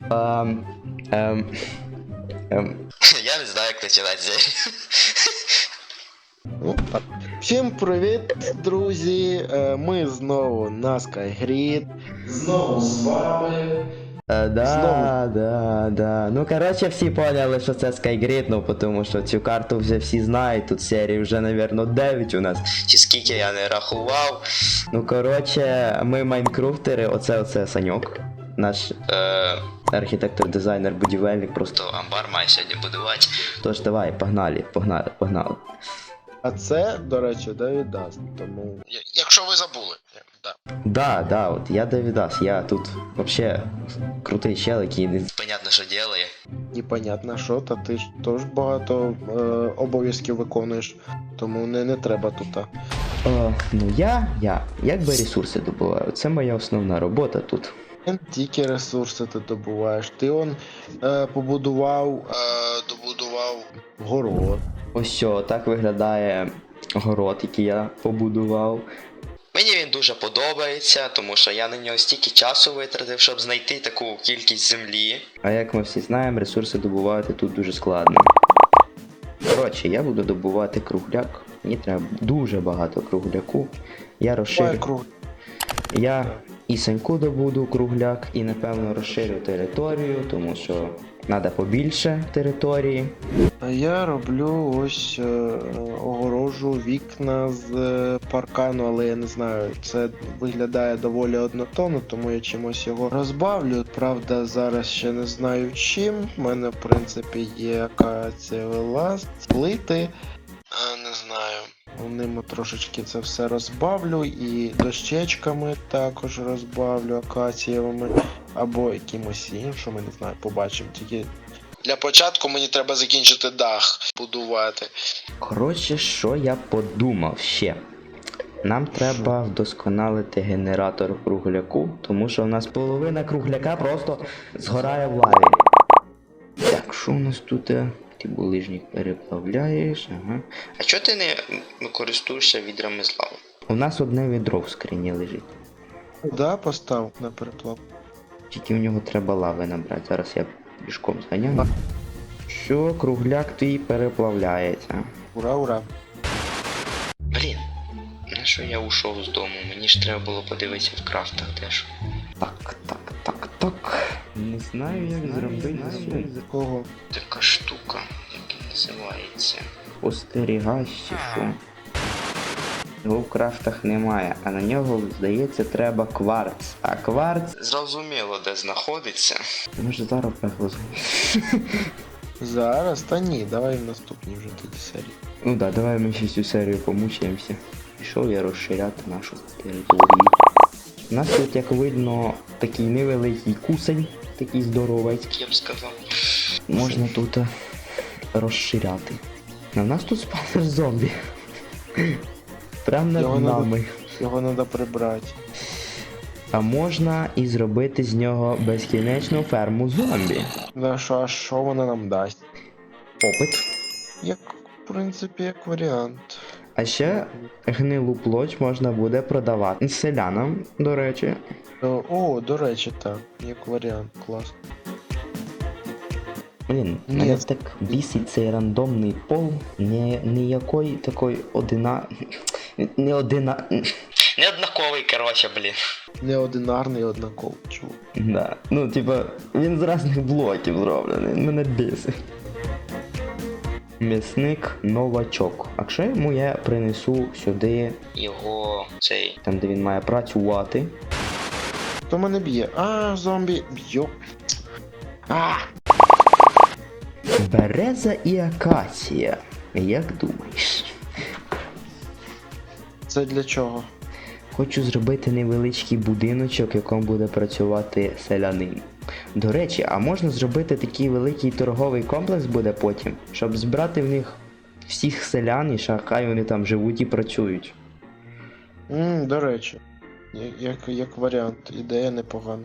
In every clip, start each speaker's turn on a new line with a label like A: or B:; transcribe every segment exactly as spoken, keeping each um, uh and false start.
A: Ем, ем, ем.
B: Я не знаю, як починати серію.
C: Ну, так. Всім привіт, друзі! Е, Ми знову на Skygrid. Знову з вами.
A: Е, да,
C: Знову.
A: да, да. Ну, коротше, всі поняли, що це Skygrid, ну, тому що цю карту вже всі знають, тут серії вже, навірно, дев'ять у нас.
B: Чи скільки я не рахував.
A: Ну, коротше, ми майнкрафтери, оце, оце Саньок. Наш
B: Е,
A: архітектор, дизайнер, будівельник, просто.
B: то амбар має сьогодні будувати.
A: Тож давай, погнали, погнали, погнали.
C: А це, до речі, Девід Даст, тому.
B: Якщо ви забули. Да.
A: Да, да, от я Давідас, я тут вообще крутий чел, який не...
B: Понятно, що ділає.
C: Непонятно що, та ти ж теж багато е, обов'язків виконуєш, тому не, не треба тут. а.
A: О, ну я, я, якби ресурси добуваю, це моя основна робота тут.
C: Не тільки ресурси ти добуваєш. Ти он е, побудував, е, добудував город.
A: Ось що, так виглядає город, який я побудував.
B: Мені він дуже подобається, тому що я на нього стільки часу витратив, щоб знайти таку кількість землі.
A: А як ми всі знаємо, ресурси добувати тут дуже складно. Коротше, я буду добувати кругляк. Мені треба дуже багато кругляку. Я
C: Давай
A: розширю.
C: круг.
A: Я і Саньку добуду кругляк, і напевно розширю територію, тому що треба побільше території.
C: А я роблю ось е, огорожу вікна з е, паркану, але я не знаю, це виглядає доволі однотонно, тому я чимось його розбавлю. Правда, зараз ще не знаю чим. У мене, в принципі, є акація ласт, плити. А, не знаю. Ними трошечки це все розбавлю і дощечками також розбавлю акацієвими або якимось іншими, не знаю, побачимо. Тільки для початку мені треба закінчити дах будувати.
A: Коротше, що я подумав ще? Нам треба вдосконалити генератор кругляку, тому що в нас половина кругляка просто згорає в лаві. Так, що у нас тут? Ти булижник переплавляєш, ага.
B: А чого ти не користуєшся відрами з лави?
A: У нас одне відро в скрині лежить.
C: Да, постав на переплав.
A: Тільки в нього треба лави набрати. Зараз я пішком зганяю. Що, кругляк твій переплавляється.
C: Ура, ура.
B: Блін, на що я ушов з дому? Мені ж треба було подивитися в крафтах теж.
A: Так, так, так, так. Не знаю, як зробити сум.
C: Кого?
B: Така штука, яка називається.
A: Спостерігач чи що. Його в крафтах немає, а на нього, здається, треба кварц. А кварц...
B: Зрозуміло, де знаходиться.
A: Може зараз пекло.
C: Зараз? Та ні, давай в наступній вже тоді серії.
A: Ну да, давай ми ще цю серію помучаємося. Пішов я розширяти нашу територію. У нас тут, як видно, такий невеликий кусень, такий здоровий.
B: Я б сказав.
A: Можна тут е, розширяти. А в нас тут спавнер зомбі. Прям над
C: Його надо-
A: нами.
C: Його треба прибрати.
A: А можна і зробити з нього безкінечну ферму зомбі.
C: Да, що, а що вона нам дасть?
A: Опит.
C: Як, в принципі, як варіант.
A: А ще гнилу плоть можна буде продавати селянам, до речі.
C: О, О, до речі, так, як варіант, клас.
A: Блін,
C: Ні.
A: мене так бісить цей рандомний пол. Не, ніякої такої одина... Не одина...
B: Неоднаковий, короче, блін.
C: Неодинарний однаково, чувак.
A: Да. Ну, типа, він з різних блоків зроблений, мене бісить. М'ясник новачок. А що йому я принесу сюди,
B: Його цей.
A: там де він має працювати?
C: Хто мене б'є? А, зомбі. Йоп. А!
A: Береза і акація. Як думаєш?
C: Це для чого?
A: Хочу зробити невеличкий будиночок, в якому буде працювати селянин. До речі, а можна зробити такий великий торговий комплекс буде потім, щоб збирати в них всіх селян і хай вони там живуть і працюють.
C: Ммм, до речі. Я- Як, як варіант, ідея непогана.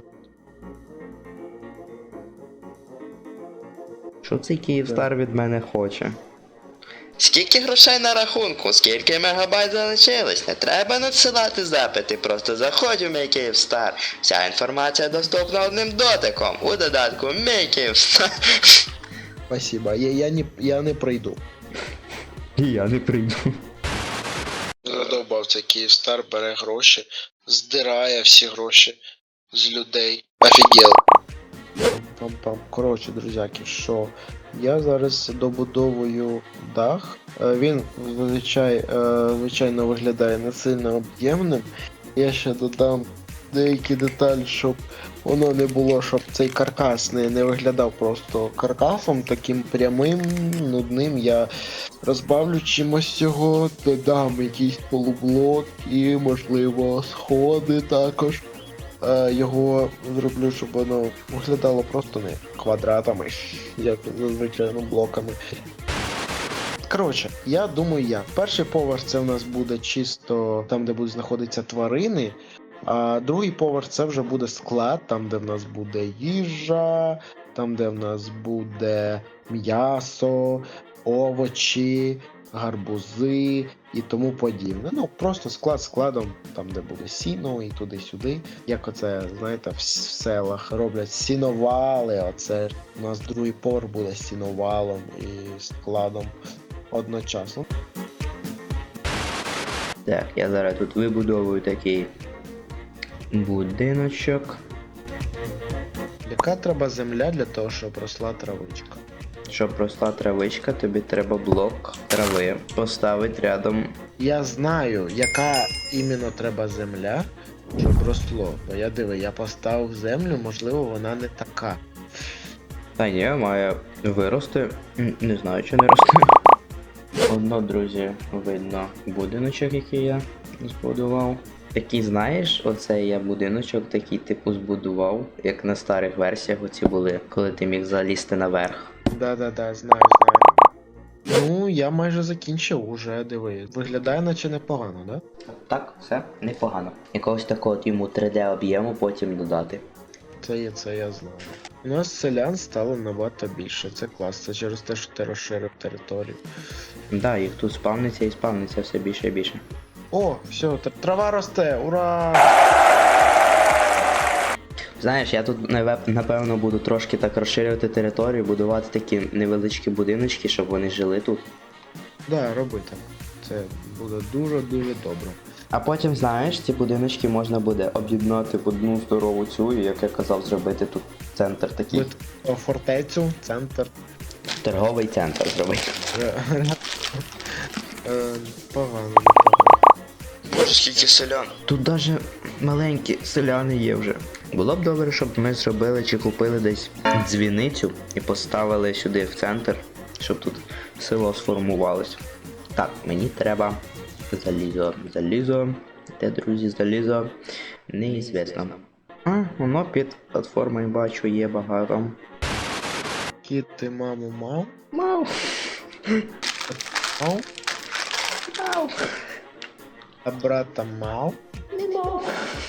A: Що цей Київстар від мене хоче?
B: Скільки грошей на рахунку? Скільки мегабайт залишилось? Не треба надсилати запити, просто заходь у мій Київстар. Вся інформація доступна одним дотиком у додатку Мій Київстар.
C: Спасибо, я, я, не, я не прийду.
A: І я не прийду.
C: Задовбав цей Київстар, бере гроші, здирає всі гроші з людей. Офігел. Пам-пам. Коротше, друзяки, що я зараз добудовую дах. Е, Він звичай, е, звичайно виглядає не сильно об'ємним. Я ще додам деякі деталі, щоб воно не було, щоб цей каркас не, не виглядав просто каркасом, таким прямим, нудним. Я розбавлю чимось його, додам якийсь полублок і, можливо, сходи також. Е, Його зроблю, щоб воно виглядало просто не квадратами, як зазвичай, ну, блоками. Коротше, я думаю, як. Перший поверх це в нас буде чисто там, де будуть знаходитися тварини. А другий поверх це вже буде склад, там де в нас буде їжа, там де в нас буде м'ясо, овочі, гарбузи і тому подібне. Ну, просто склад складом, там де буде сіно і туди-сюди. Як оце, знаєте, в селах роблять сіновали, оце у нас другий поверх буде сіновалом і складом одночасно.
A: Так, я зараз тут вибудовую такий будиночок.
C: Яка треба земля для того, щоб росла травичка?
A: Щоб росла травичка, тобі треба блок трави поставити рядом.
C: Я знаю, яка іменно треба земля, щоб росло. Бо я диви, я поставив землю, можливо, вона не така.
A: Та ні, має вирости. М, Не знаю, чи не росте. Одно, друзі, видно будиночок, який я збудував. Такий, знаєш, оцей я будиночок такий типу збудував, як на старих версіях оці були, коли ти міг залізти наверх.
C: Да-да-да, знаю, знаю. Ну, я майже закінчив уже, диви. Виглядає наче непогано, да?
A: Так, все непогано. Якогось такого от йому три де об'єму потім додати.
C: Це є, це я знаю. У нас селян стало набагато більше, це клас, це через те, що ти розширив територію.
A: Да, їх тут спавниться і спавниться все більше і більше.
C: О, все, тр- трава росте, ура!
A: Знаєш, я тут наве- напевно буду трошки так розширювати територію, будувати такі невеличкі будиночки, щоб вони жили тут.
C: Да, роби так. Це буде дуже-дуже добре.
A: А потім, знаєш, ці будиночки можна буде об'єднати в одну здорову цю, і, як я казав, зробити тут центр такий.
C: От, о, фортецю, центр.
A: Торговий центр зробити.
C: Е, Погано, непогано.
B: Боже, скільки селян.
A: Тут даже маленькі селяни є вже. Було б добре, щоб ми зробили чи купили десь дзвіницю і поставили сюди в центр, щоб тут село сформувалось. Так, мені треба залізо. Залізо. Де, друзі, залізо? Неізвісно. А, воно під платформою бачу є багато.
C: Кіт, ти маму мав?
A: Мау.
C: Мав?
A: Мау.
C: А брата мав?
A: Не мав.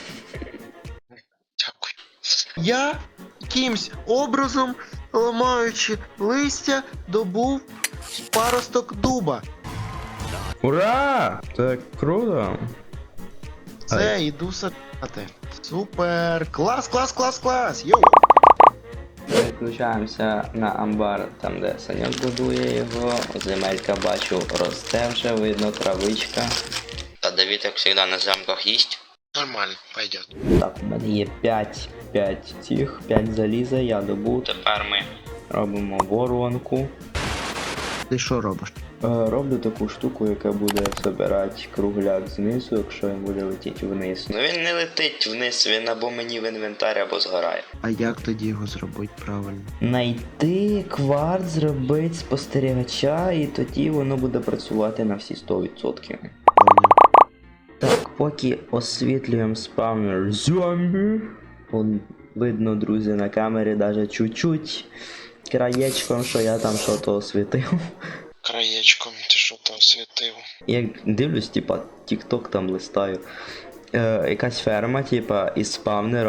C: Дякую. Я якимсь образом, ламаючи листя, добув паросток дуба.
A: Ура! Так круто!
C: Це йду садити. Супер! Клас, клас, клас, клас! Йоу!
A: Переключаємося на амбар, там де Саньок будує його. Земелька бачу росте вже, видно травичка.
B: Та Давід, як завжди, на замках їсть.
C: Нормально, пойдет.
A: Так, у мене є п'ять, п'ять цих, п'ять заліза, я добув.
B: Тепер ми.
A: Робимо воронку.
C: Ти що робиш?
A: Е, Роблю таку штуку, яка буде збирати кругляк знизу, якщо він буде летіти вниз.
B: Ну він не летить вниз, він або мені в інвентар, або згорає.
C: А як тоді його зробити правильно?
A: Найти кварт, зробити спостерігача, і тоді воно буде працювати на всі сто відсотків. Так, поки освітлюємо спавнер зомбі. Вон видно, друзі, на камері даже чуть-чуть краєчком, що я там що-то освітив.
C: Краєчком ти що там світив?
A: Як дивлюсь, типа, тік-ток там листаю. Е, якась ферма, типа, із спавнером.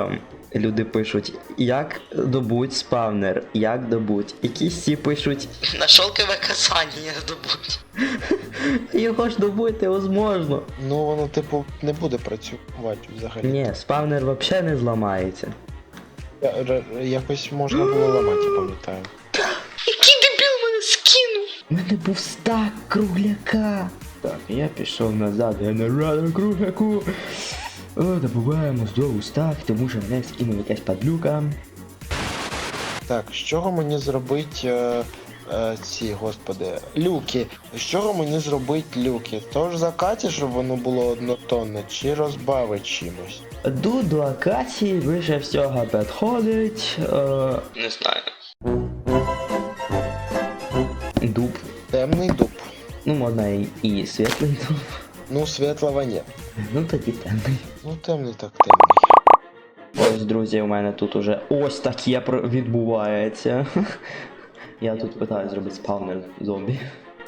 A: люди пишуть, як добуть спавнер, як добуть. Якісь всі пишуть,
B: На шелкове касання добуть.
A: його ж добути возможно.
C: Ну воно, типу, не буде працювати взагалі.
A: Ні, спавнер взагалі не зламається.
C: Я- р- Якось можна було ламати, я пам'ятаю.
B: Який дебіл мене скинув?
A: У мене був стак кругляка. Так, я пішов назад, генератор кругляку. О, добуваємо знову стак, тому що мене скинув якась падлюка.
C: Так, з чого мені зробити е, е, ці, господи, люки? З чого мені зробити люки? Тож закаті, щоб воно було однотонне, чи розбавить чимось?
A: Ду до акації вище всього підходить. Е,
B: Не знаю.
A: дуб.
C: Темний дуб.
A: Ну, можна і, і світлий дуб.
C: Ну, світлого ні.
A: Ну тоді темний.
C: Ну, темний так темний.
A: Ось, друзі, у мене тут уже ось таке про- відбувається. Я тут питаю зробити спавнер зомбі.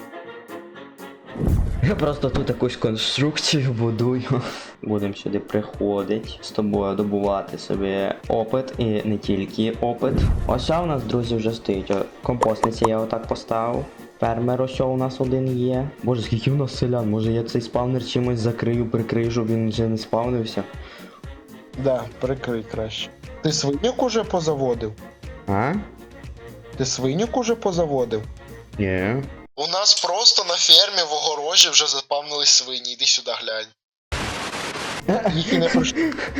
A: Я просто тут якусь конструкцію будую. Будемо сюди приходити, з тобою добувати собі опит і не тільки опит. Ось у нас, друзі, вже стоїть. О, компостниці я отак поставив. Фермер ось у нас один є. Боже, скільки в нас селян? Може я цей спавнер чимось закрию, прикрию, щоб він вже не спавнився?
C: Да, прикрий краще. Ти свинюк уже позаводив?
A: А?
C: Ти свинюк уже позаводив?
A: Ні.
C: У нас просто на фермі в огорожі вже запавнились свині, іди сюди глянь. Їх і не прийшло.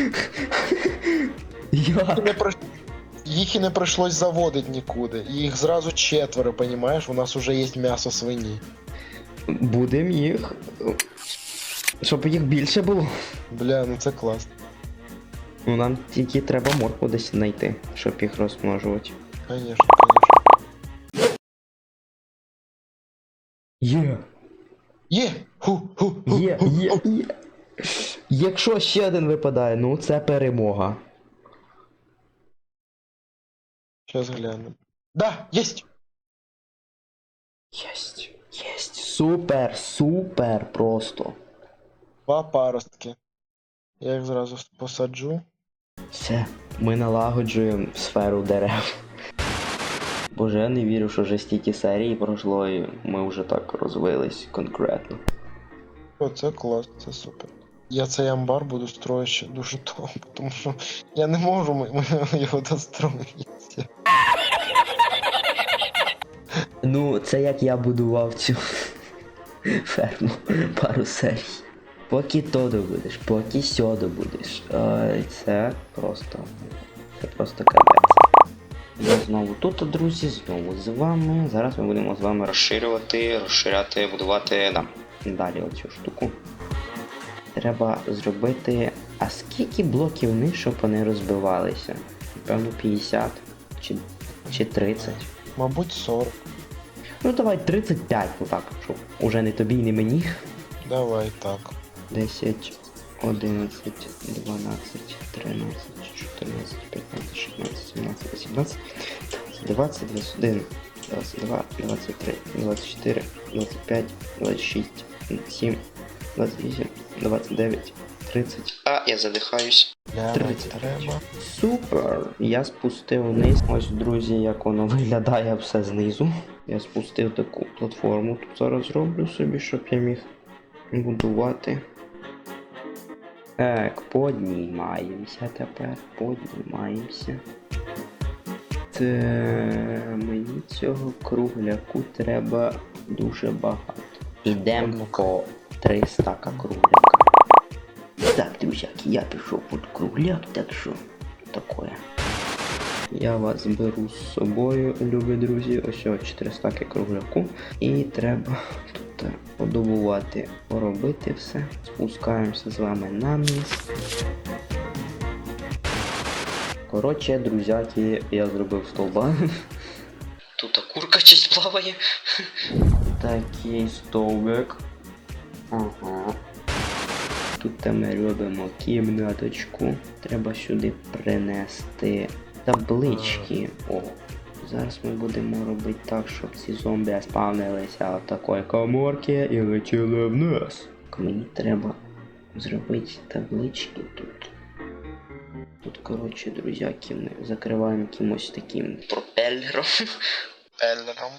A: Як?
C: не при... Їх і не прийшлось заводити нікуди. Їх зразу четверо, понімаєш? У нас уже є м'ясо свині.
A: Будем їх. Щоб їх більше було.
C: Бля, ну це класно.
A: Ну нам тільки треба моркву десь знайти, щоб їх розмножувати.
C: Конечно, конечно.
A: Є!
C: Є! Ху, ху, ху,
A: Є,
C: ху,
A: є,
C: ху.
A: є! Якщо ще один випадає, ну це перемога.
C: Щас гляну. Да, єсть!
A: Єсть, єсть. Супер, супер просто.
C: Два паростки. Я їх зразу посаджу.
A: Все, ми налагоджуємо сферу дерев. Боже, я не вірю, що вже стільки серій пройшло і ми вже так розвились конкретно.
C: О, це клас, це супер. Я цей амбар буду строїти ще дуже довго, тому що я не можу ми, ми його достроїти.
A: Ну, це як я будував цю ферму пару серій. Поки то добудеш, поки сьо добудеш. Ой, це просто. Це просто капець. Я знову тут, друзі, знову з вами. Зараз ми будемо з вами розширювати, розширяти, будувати да, далі оцю штуку. Треба зробити. А скільки блоків вниз, щоб вони розбивалися? Напевно, п'ятдесят чи, чи тридцять.
C: Мабуть, сорок.
A: Ну давай тридцять п'ять, ну так, щоб уже не тобі, не мені.
C: Давай так.
A: десять, одинадцять, дванадцять, тринадцять, чотирнадцять, п'ятнадцять, шістнадцять, сімнадцять, вісімнадцять, двадцять, двадцять один, двадцять два, двадцять три, двадцять чотири, двадцять п'ять, двадцять шість, двадцять сім, двадцять вісім, двадцять дев'ять, тридцять.
B: А, я задихаюсь.
C: Ля,
A: тридцять.
C: треба.
A: Супер! Я спустив вниз. Ось, друзі, як воно виглядає все знизу. Я спустив таку платформу. Тут зараз зроблю собі, щоб я міг будувати. Так, піднімаємося тепер. Піднімаємося. Це мені цього кругляку треба дуже багато. Йдемо по три стака кругляка. Так, друзяки, я пішов під кругляк, так що таке. Я вас беру з собою, любі друзі, ось ось чотири стаки кругляку. І треба тут подобувати, поробити все. Спускаємося з вами на низ. Коротше, друзяки, я зробив стовба.
B: Тут курка щось плаває.
A: Такий стовбик. Ага. Тут ми робимо кімнаточку. Треба сюди принести таблички. О, зараз ми будемо робити так, щоб ці зомбі спавнилися в такої коморки і летіли вниз. Мені треба зробити таблички тут. Тут, коротше, друзяки, ми закриваємо кимось таким.
B: Пропеллером. Пропеллером.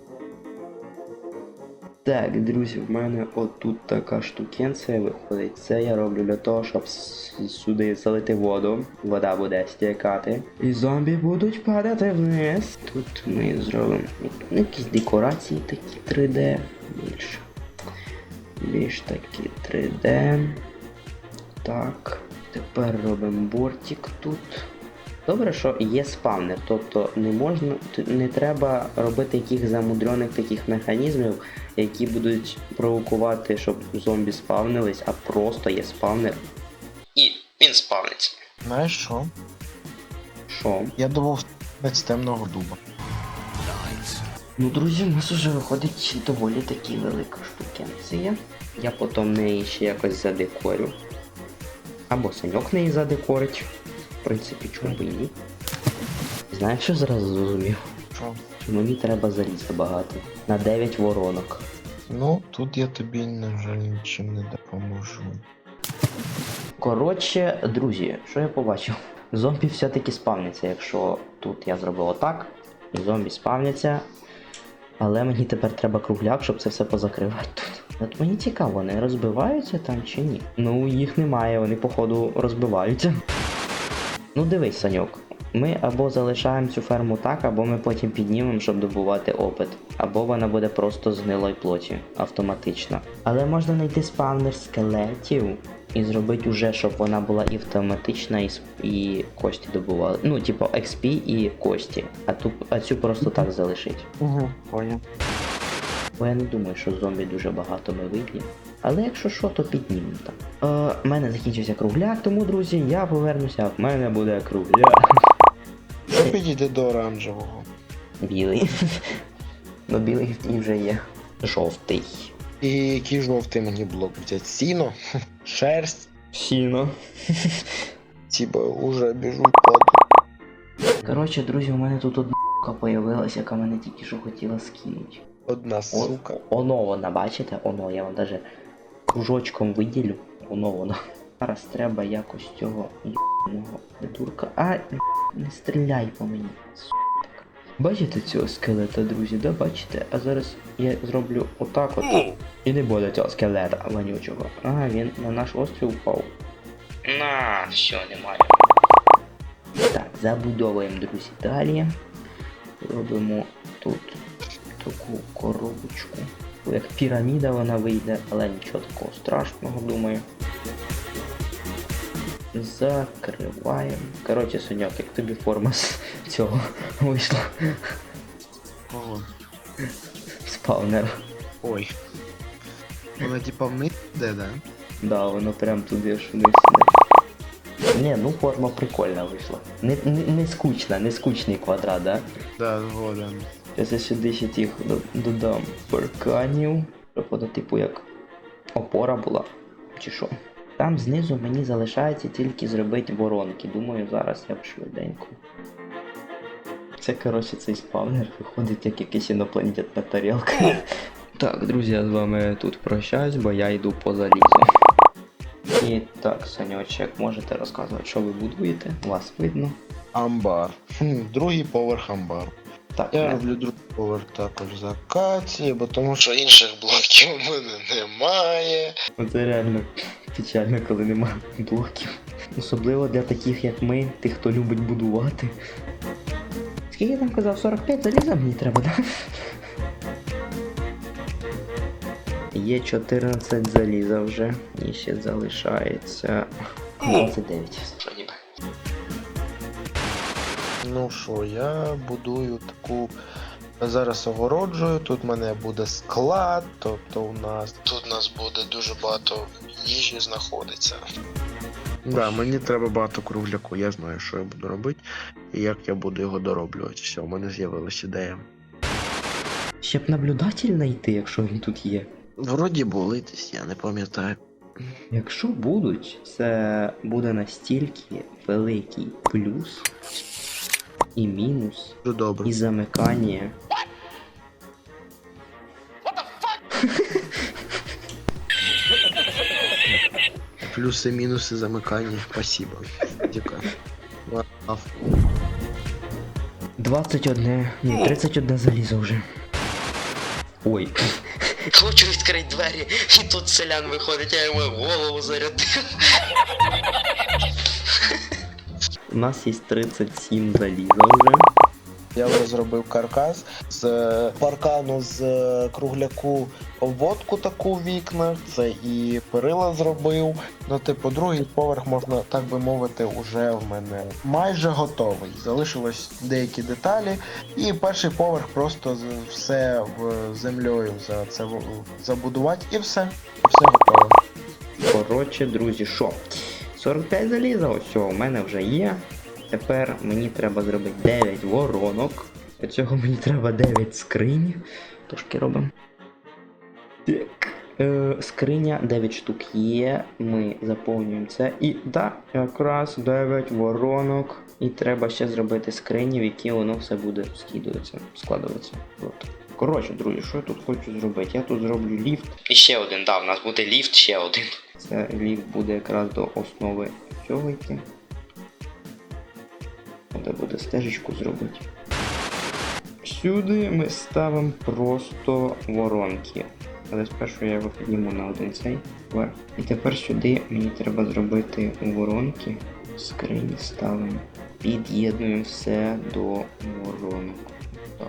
A: Так, друзі, в мене отут така штукенція виходить. Це я роблю для того, щоб с- сюди залити воду. Вода буде стікати. І зомбі будуть падати вниз. Тут ми зробимо як- якісь декорації такі три де. Більш. Більш такі три де. Так. Тепер робимо бортик тут. Добре, що є спавнер, тобто не можна, т- не треба робити яких замудрених таких механізмів, які будуть провокувати, щоб зомбі спавнились, а просто є спавнер.
B: І він спавниться.
C: Знаєш що?
A: Що?
C: Я думав з темного дуба.
A: Ну, друзі, у нас вже виходить доволі таки велика штукенція. Я потім неї ще якось задекорю. Або Саньок неї задекорить. В принципі, чому б і ні. Знаєш, що зразу зрозумів?
C: Що?
A: Що мені треба залізти багато. На дев'ять воронок.
C: Ну, тут я тобі, на жаль, нічим не допоможу.
A: Коротше, друзі, що я побачив? Зомбі все-таки спавняться, якщо тут я зробив отак, і зомбі спавняться. Але мені тепер треба кругляк, щоб це все позакривати тут. От мені цікаво, вони розбиваються там чи ні? Ну, їх немає, вони походу розбиваються. Ну дивись, Саньок. Ми або залишаємо цю ферму так, або ми потім піднімемо, щоб добувати опит. Або вона буде просто з гнилої плоті, автоматично. Але можна знайти спавнер скелетів і зробити уже, щоб вона була і автоматична, і, сп- і кості добували. Ну, типу, ікс пі і кості. А, ту, а цю просто так залишить.
C: Угу, понял.
A: Бо я не думаю, що зомбі дуже багато ми виб'ємо. Але якщо що, то піднімемо там. Е, в мене закінчився кругляк, тому, друзі, я повернуся, в мене буде кругляк.
C: Що підійде до оранжевого?
A: Білий. Ну, білий в тій вже є. Жовтий.
C: І який жовтий мені блок взяти? Сіно? Шерсть?
A: Сіно.
C: Типа уже біжу паду.
A: Коротше, друзі, у мене тут одна ***ка появилась, яка мене тільки що хотіла скинути.
C: Одна сука.
A: Оно вона, бачите? Оно, я вам даже кружочком виділю. Оно воно. Зараз треба якось цього ***ного придурка. А, не стріляй по мені. Сука. Бачите цього скелета, друзі, да, бачите? А зараз я зроблю отак от. І не буде цього скелета вонючого. А, він на наш острів впав.
B: На, все, немає.
A: Так, забудовуємо, друзі, далі. Робимо тут таку коробочку. Як піраміда вона вийде, але нічого такого страшного, думаю. Закриваємо. Коротше, Соняк, як тобі форма з цього вийшла?
C: Ого.
A: Спавнер.
C: Ой. Вона типа вниз йде, да?
A: Да, воно прям туди ж вниз іде. Не, ну форма прикольна вийшла. Не, не, не скучна, не скучний квадрат, да?
C: Да, згоден.
A: Зараз я сюди ще тих до- додам парканів, щоб воно типу як опора була, чи що. Там знизу мені залишається тільки зробити воронки. Думаю, зараз я б швиденько. Це, коротше, цей спавнер виходить як якась інопланетна тарілка. Так, друзі, я з вами тут прощаюсь, бо я йду по залізу. І так, Саньочек, можете розказувати, що ви будуєте? Вас видно.
C: Амбар. Хм, другий поверх амбару.
A: Так,
C: Я
A: не-
C: роблю другий поверх також з акації, бо тому що інших блоків у мене немає.
A: Це реально печально, коли немає блоків. Особливо для таких, як ми, тих, хто любить будувати. Скільки я там казав? сорок п'ять заліза мені треба, так? Є чотирнадцять заліза вже. І ще залишається двадцять дев'ять.
B: Що ніби.
C: Ну що, я будую таку. Зараз огороджую, тут в мене буде склад, тобто у нас. Тут у нас буде дуже багато їжі знаходиться. Да, мені треба багато кругляку, я знаю, що я буду робити і як я буду його дороблювати. Все, у мене з'явилася ідея.
A: Ще б наблюдатель знайти, якщо він тут є.
C: Вроді були десь, я не пам'ятаю.
A: Якщо будуть, це буде настільки великий плюс і мінус,
C: Дуже добре.
A: і замикання.
C: Плюси, мінуси замикання. Спасибо. Дякую.
A: двадцять один, ні, тридцять один залізо вже. Ой.
B: Хочу відкрити двері, і тут селян виходить, я йому голову зарядив.
A: У нас є тридцять сім заліза вже.
C: Я вже зробив каркас з е, паркану з е, кругляку обводку таку в вікнах. Це і перила зробив. Ну, типу, другий поверх, можна так би мовити, уже в мене майже готовий. Залишилось деякі деталі. І перший поверх просто з- все в землею за це в- забудувати і все. І все готово.
A: Коротше, друзі, що? сорок п'ять заліза, ось у мене вже є. Тепер мені треба зробити дев'ять воронок. Для цього мені треба дев'ять скринь. Трошки робимо. Так. Е, скриня дев'ять штук є. Ми заповнюємо це. І да, якраз дев'ять воронок. І треба ще зробити скрині, в які воно все буде скидуватися, складуватися. От. Коротше, друзі, що я тут хочу зробити? Я тут зроблю ліфт.
B: І ще один, да, у нас буде ліфт, ще один.
A: Це ліфт буде якраз до основи цього йти. Треба буде стежечку зробити. Сюди ми ставимо просто воронки. Але спершу я його підніму на один цей вверх. І тепер сюди мені треба зробити воронки. Скрині ставимо. Під'єднуємо все до воронок. Так.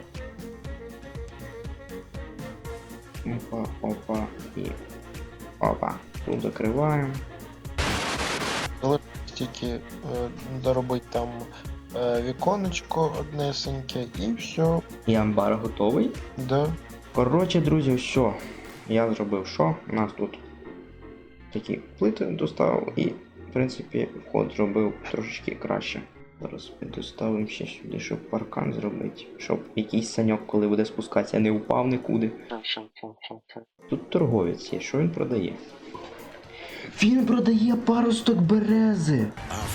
A: Опа, опа і опа. Тут закриваємо.
C: Тільки е, доробити там е, віконечко однесеньке і все.
A: І амбар готовий.
C: Да.
A: Коротше, друзі, що? Я зробив що? У нас тут такі плити доставив і, в принципі, вход зробив трошечки краще. Зараз ми доставимо ще сюди, щоб паркан зробити. Щоб якийсь саньок, коли буде спускатися, не упав нікуди. Тут торговець є, що він продає? Він продає паросток берези!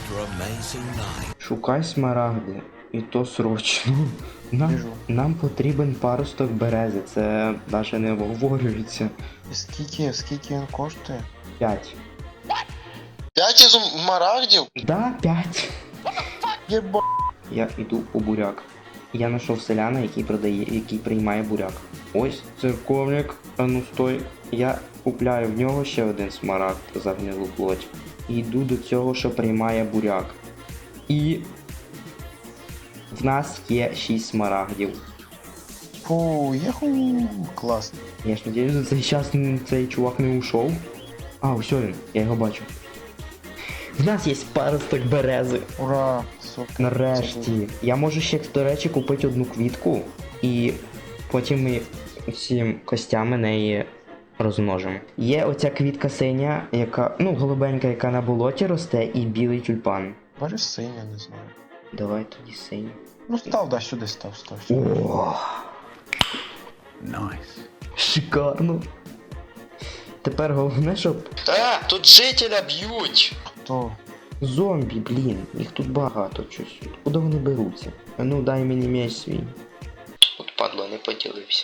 A: Шукай смарагди. І то срочно. Нам,
C: Біжу.
A: нам потрібен паросток берези, це навіть не обговорюється.
C: І скільки, скільки він коштує?
A: П'ять.
C: П'ять із марагдів?
A: Да, п'ять.
C: Єба.
A: Я йду по буряк. Я знайшов селяна, який продає, який приймає буряк. Ось церковник, а ну стой. Я купляю в нього ще один смарагд за гнилу плоть. І йду до цього, що приймає буряк. І в нас є шість смарагдів.
C: Фу, єху, класно.
A: Я ж надіюсь, за цей час цей чувак не ушов. А, ось він, я його бачу. В нас є паросток берези.
C: Ура, супер.
A: Нарешті. Я можу ще, до речі, купити одну квітку. І потім ми всім костями неї розмножимо. Є оця квітка синя, яка, ну, голубенька, яка на болоті росте, і білий тюльпан.
C: Боже, синя, не знаю.
A: Давай тоді синю.
C: Ну став, да, сюди став, став. Сюди.
A: О,
D: Nice.
A: шикарно. Тепер головне, щоб
B: А, тут жителя б'ють.
C: Хто?
A: зомбі, блін, їх тут багато щось. Куди вони беруться? А ну дай мені меч свій.
B: От падло, не поділився.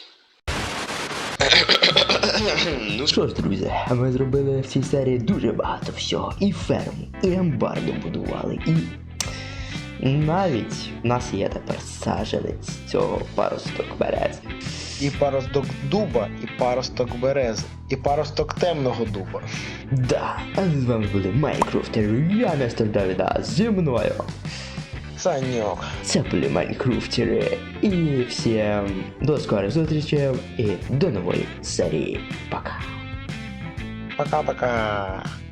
B: Ну
A: Що ж, друзі, ми зробили в цій серії дуже багато всього. І ферму, і амбар добудували, і навіть в нас є тепер саджанець цього паросток берези.
C: І паросток дуба, і паросток берези, і паросток темного дуба.
A: Да, а з вами були Майнкрафтери, я містер Давіда, зі мною.
C: Саньок.
A: Це були Майнкрафтери. І всім до скорих зустрічей і до нової серії. Пока.
C: Пока-пока.